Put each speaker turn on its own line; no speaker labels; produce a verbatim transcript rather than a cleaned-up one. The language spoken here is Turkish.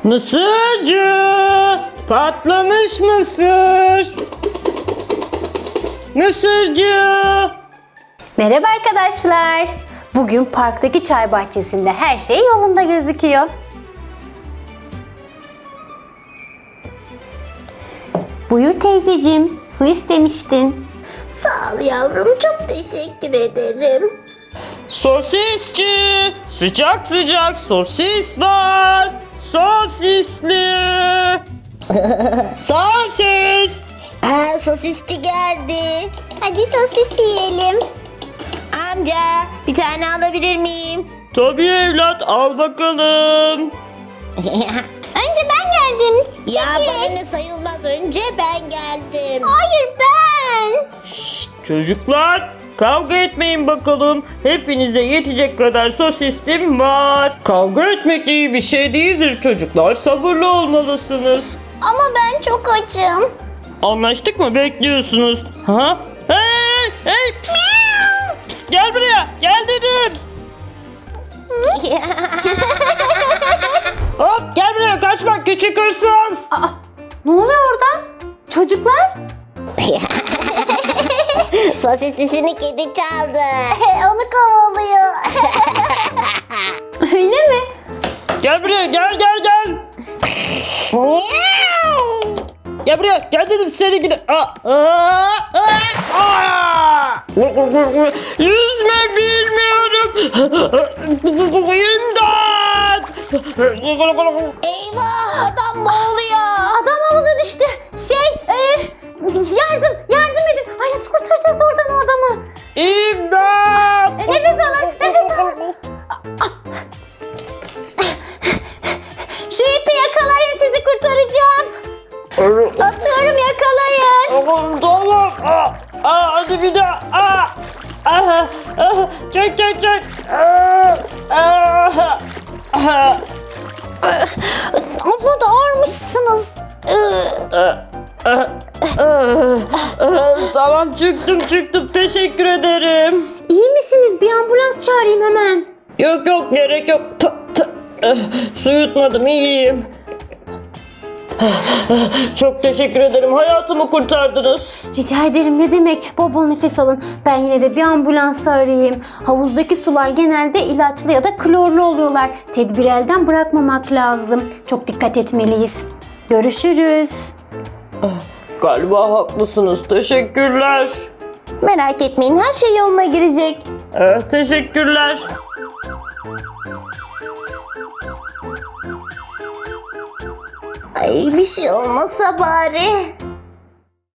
Mısırcı! Patlamış mısır! Mısırcı!
Merhaba arkadaşlar. Bugün parktaki çay bahçesinde her şey yolunda gözüküyor. Buyur teyzeciğim, su istemiştin.
Sağ ol yavrum, çok teşekkür ederim.
Sosisçi! Sıcak sıcak sosis var! Sosisli! Sosis!
Aa, sosisçi geldi. Hadi sosis yiyelim. Amca, bir tane alabilir miyim?
Tabii evlat, al bakalım.
Önce ben geldim. Ya bana ne sayılmaz, önce ben geldim. Hayır ben.
Çocuklar, kavga etmeyin bakalım. Hepinize yetecek kadar sosislim var. Kavga etmek iyi bir şey değildir çocuklar. Sabırlı olmalısınız.
Ama ben çok açım.
Anlaştık mı? Bekliyorsunuz. Ha? Hey! Hey! Pst, pst, pst, gel buraya. Gel dedim. Hop, gel buraya. Kaçma küçük hırsız.
Aa, ne oluyor orada? Çocuklar?
Sosislisini kedi çaldı. Onu kovalıyor.
Öyle mi?
Gel buraya. Gel gel gel. Gel buraya. Gel dedim seni gidi. Aa, aa, aa, aa. Yüzme bilmiyorum. İmdat.
Eyvah, adam boğuluyor.
Adam havuza düştü. Şey, e, yardım, yardım edin. Ay nasıl kurtaracağız oradan o adamı?
İmdat.
E, nefes alın, nefes alın. Şu ipi yakalayın, sizi kurtaracağım. Atıyorum, yakalayın.
Tamam tamam. Aa, aa, hadi bir daha. Aa, aa, aa, çek çek çek. Aa, aa, aa.
Ama da ağırmışsınız.
Tamam çıktım çıktım. Teşekkür ederim.
İyi misiniz? Bir ambulans çağırayım hemen.
Yok yok gerek yok. Ta, ta. Eh, Su yutmadım iyiyim. Çok teşekkür ederim. Hayatımı kurtardınız.
Rica ederim, ne demek. Bol bol nefes alın. Ben yine de bir ambulans arayayım. Havuzdaki sular genelde ilaçlı ya da klorlu oluyorlar. Tedbiri elden bırakmamak lazım. Çok dikkat etmeliyiz. Görüşürüz.
Galiba haklısınız. Teşekkürler.
Merak etmeyin, her şey yoluna girecek.
Eh, teşekkürler.
Ay, bir şey olmasa bari.